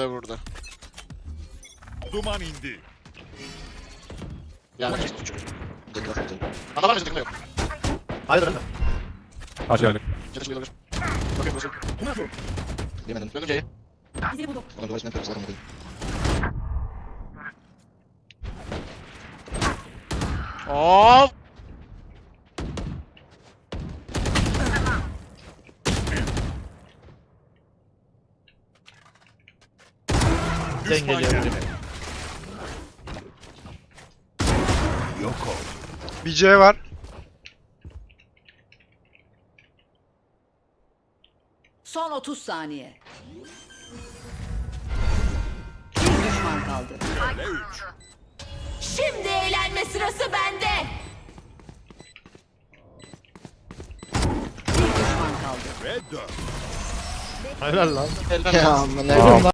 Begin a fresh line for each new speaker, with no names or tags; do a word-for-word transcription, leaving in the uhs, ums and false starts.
de burada.
Duman indi.
Yani Ana var mı? Yok.
Hayır öyle.
Karşı geldik.
Çatış olabilir. Bakın burası.
Yemedim.
Döndüm C'ye.
İzini buldum.
Ulan dolayısıyla yapıyoruz. Zaten buradayım.
Of.
Sen geliyor.
Yok ol.
Bir C var.
Son otuz saniye. Bir düşman kaldı.
Öyle üç.
Şimdi eğlenme sırası bende. Bir düşman kaldı.
Ve dört.
Helal lan.
Elden
Ya
ya.
aman ne